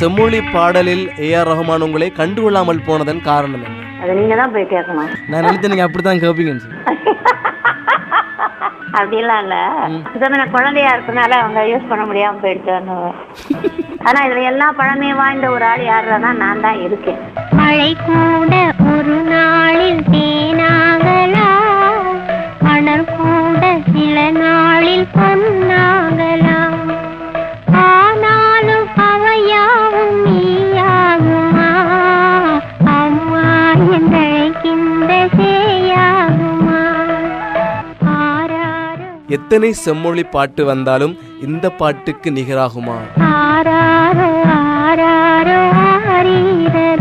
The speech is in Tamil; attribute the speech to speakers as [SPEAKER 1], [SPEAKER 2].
[SPEAKER 1] செம்மொழி பாடலில் ஏஆர் ரஹ்மான் உங்களை கண்டுகொள்ளாமல் போனதன் காரணம் என்ன?
[SPEAKER 2] அதை நீங்க தான் போய் கேட்கணும்.
[SPEAKER 1] நான் நினைத்து நீங்க அப்படித்தான் கேட்பீங்கன்னு சொல்லி.
[SPEAKER 2] அப்படிலாம் இல்ல, நான் குழந்தையா இருக்கனால அவங்க யூஸ் பண்ண முடியாம போயிடுச்சு. ஆனா இதுல எல்லா பழமே வாய்ந்த ஒரு ஆள் யாருன்னா நான் தான் இருக்கேன்.
[SPEAKER 3] மழை கூட ஒரு நாளில் தேனாகலா, மணல் கூட சில நாளில் பொன்னாகலாம், ஆனாலும் அவையாவும் நீயாகுமா, அம்மா என்றழைக்கின்ற சேயாகுமா.
[SPEAKER 1] எத்தனை செம்மொழி பாட்டு வந்தாலும் இந்த பாட்டுக்கு நிகராகுமா?
[SPEAKER 3] ஆராரோ ஆராரோ ஆரீரோ